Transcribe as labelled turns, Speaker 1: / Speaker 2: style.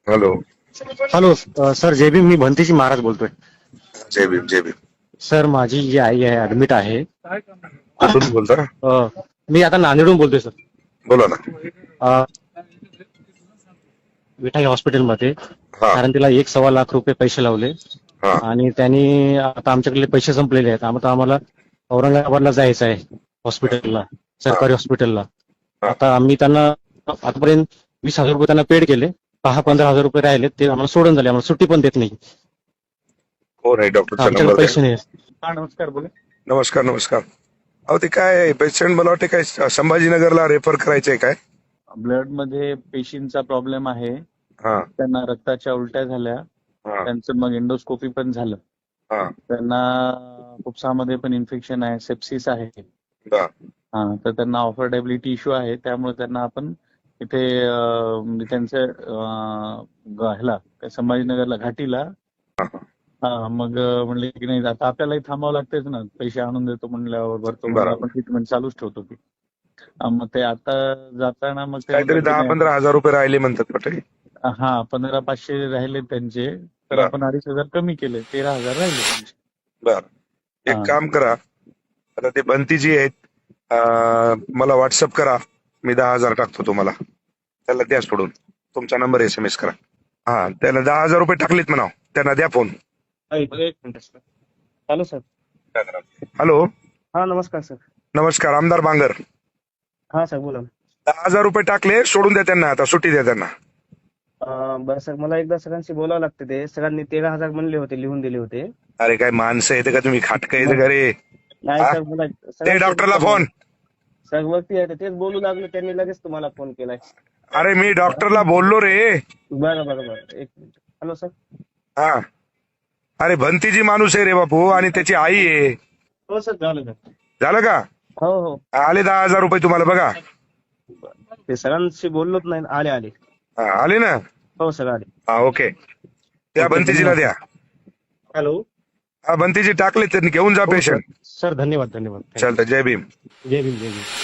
Speaker 1: Hello.
Speaker 2: Hello. Sir जय भीम. मी भंतीजी महाराज बोलतोय.
Speaker 1: जय भीम जय भीम.
Speaker 2: सर माझी जी आई आहे ऍडमिट आहे.
Speaker 1: कुठून बोलता?
Speaker 2: मी आता नांदेडहून बोलतोय सर.
Speaker 1: बोला ना.
Speaker 2: अ, विठाई हॉस्पिटलमध्ये.
Speaker 1: हा
Speaker 2: कारण तिला 1-1.25 लाख रुपये पैसे लावले
Speaker 1: हा
Speaker 2: आणि त्यांनी आता आमच्याकडे पैसे संपलेले आहेत. आता आम्हाला औरंगाबादला जायचं आहे हॉस्पिटलला,
Speaker 1: हा
Speaker 2: सरकारी हॉस्पिटलला.
Speaker 1: हा.
Speaker 2: आता आम्ही त्यांना आतापर्यंत 20,000 रुपये त्यांना पेड केले. 15,000 रुपये राहिले ते आम्हाला सोडून झाले. आम्हाला सुट्टी पण देत नाही.
Speaker 1: कोण आहे? डॉक्टरचा
Speaker 2: आमच्याकडे
Speaker 1: नंबर द्या.
Speaker 2: पैसे नाही. हा नमस्कार बोला.
Speaker 1: नमस्कार नमस्कार. अहो ते काय पेशंट मला वाटते काय संभाजीनगरला रेफर करायचंय काय?
Speaker 3: ब्लड मध्ये पेशींचा प्रॉब्लेम आहे.
Speaker 1: हा
Speaker 3: त्यांना रक्ताच्या उलट्या झाल्या.
Speaker 1: हा
Speaker 3: त्यांचं मग एंडोस्कोपी पण झालं.
Speaker 1: हा
Speaker 3: त्यांना फुफ्सामध्ये पण इन्फेक्शन आहे, सेप्सिस आहे.
Speaker 1: बर.
Speaker 3: तर त्यांना ऑफर्डेबिलिटी इश्यू आहे. त्यामुळे त्यांना आपण इथे म्हणजे त्यांच्या ह्याला काय संभाजीनगरला घाटीला. मग म्हणले की नाही आता आपल्यालाही थांबावं लागतेच ना, पैसे आणून देतो म्हणल्यावर भरतो म्हणून
Speaker 1: बरोबर.
Speaker 3: आपण ट्रीटमेंट चालूच ठेवतो ती. मग ते आता जाताना मग ते
Speaker 1: काहीतरी
Speaker 3: म्हणतात की नाही,
Speaker 1: 10-15 हजार रुपये राहिले म्हणतात वाटते.
Speaker 3: 1500-500 राहिले त्यांचे. तर
Speaker 1: बरं.
Speaker 3: आपण 2,500 कमी केले, 13,000 राहिले त्यांचे.
Speaker 1: बर. एक
Speaker 3: हा.
Speaker 1: काम करा, आता ते बंतीजी आहेत, मला व्हॉट्सअप करा. मी 10,000 टाकतो तुम्हाला. त्याला द्या सोडून. तुमचा नंबर SMS करा. हा त्याला 10,000 रुपये टाकलेत म्हणा. त्यांना द्या फोन.
Speaker 2: एक minute sir. Hello sir.
Speaker 1: Hello.
Speaker 2: हा नमस्कार सर.
Speaker 1: नमस्कार. आमदार बांगर.
Speaker 2: हा सर बोला.
Speaker 1: 10,000 रुपये टाकले, सोडून द्या त्यांना. आता सुट्टी द्या त्यांना.
Speaker 2: बरं सर, मला एकदा सगळ्यांशी बोलावं लागतं. ते सगळ्यांनी 13,000 म्हणले होते, लिहून दिले होते.
Speaker 1: अरे काय माणसं येते का तुम्ही? खाटकं येते का रे?
Speaker 2: नाही
Speaker 1: हा?
Speaker 2: सर मला
Speaker 1: ते डॉक्टरला फोन.
Speaker 2: सर वरती आहे तेच बोलू लागले, त्यांनी लगेच तुम्हाला फोन केलाय.
Speaker 1: अरे मी डॉक्टरला बोललो रे.
Speaker 2: बरं बरं बरं, एक मिनिट. Hello sir.
Speaker 1: हा. अरे भंतीजी माणूस आहे रे बापू, आणि त्याची आई आहे.
Speaker 2: हो सर, झालं सर.
Speaker 1: झालं का?
Speaker 2: हो हो.
Speaker 1: आले 10,000 रुपये तुम्हाला बघा.
Speaker 2: ते सरांशी बोललोच नाही. आले आले.
Speaker 1: हा, आले ना?
Speaker 2: हो सर आले.
Speaker 1: हा ओके. त्या बंतीजीला द्या.
Speaker 2: हॅलो.
Speaker 1: हा बंतीजी टाकले, त्यांनी घेऊन जा पेशंट.
Speaker 2: सर धन्यवाद धन्यवाद.
Speaker 1: चालतं. जय भीम.
Speaker 2: जय भीम जय भीम.